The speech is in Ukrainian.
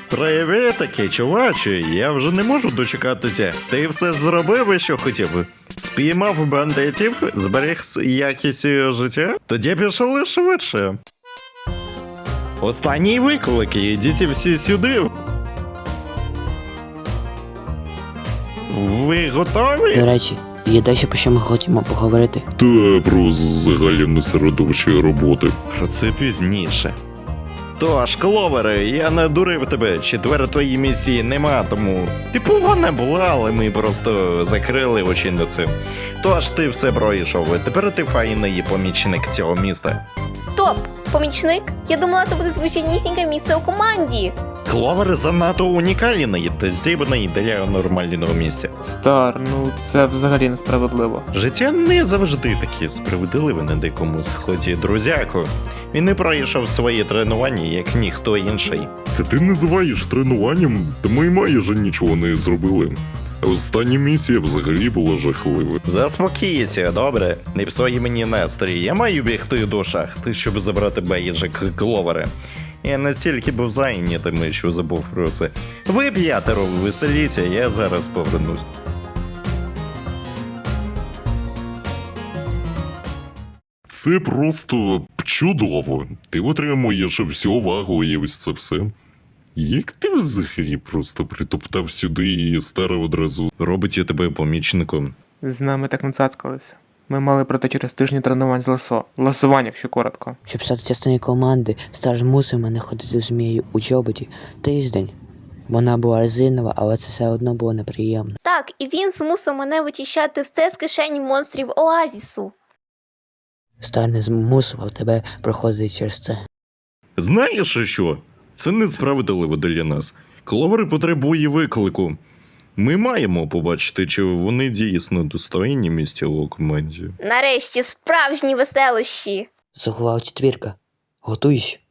Привітики, чуваче, я вже не можу дочекатися. Ти все зробив, що хотів. Спіймав бандитів, зберіг якість життя? Тоді пішли швидше. Останній виклик, ідіть всі сюди. Ви готові? До речі, є дещо, про що ми хочемо поговорити. Та про загальне середовище роботи. Про це пізніше. Тож, Кловере, я не дурив тебе. Четвертої місії нема, тому. Типу, вона була, але ми просто закрили очі на це. Тож ти все пройшов, і тепер ти файний помічник цього міста. Стоп! Помічник? Я думала, це буде звичайнісіньке місце у команді. Кловер занадто унікальний та здібний для нормального місця. Стар, ну це взагалі несправедливо. Життя не завжди таке справедливе на дикому сході, друзяко. Він не пройшов свої тренування, як ніхто інший. Це ти називаєш тренуванням? Та ми майже нічого не зробили. А остання місія взагалі була жахлива. Заспокійся, добре? Не псуй мені настрій. Я маю бігти до шахти, щоб забрати бейджик Кловера. Я настільки був зайнятим, що забув про це. Ви п'ятеро веселіться, я зараз повернусь. Це просто чудово. Ти отримуєш всю увагу і ось це все. Як ти взагалі просто притоптав сюди і старе одразу Робить тебе помічником. З нами так не цацкалися. Ми мали пройти через тижні тренувань з ласо. Ласування, якщо коротко. Щоб стати частиною команди, Стар змусив мене ходити змією у чоботі тиждень. Вона була резинова, але це все одно було неприємно. Так, і він змусив мене вичищати все з кишень монстрів Оазісу. Стар не змусував тебе проходити через це. Знаєш що? Це несправедливо для нас. Кловер потребує виклику. Ми маємо побачити, чи вони дійсно достойні місця у команді. Нарешті справжні веселощі. Заховав четвірка. Готуйся.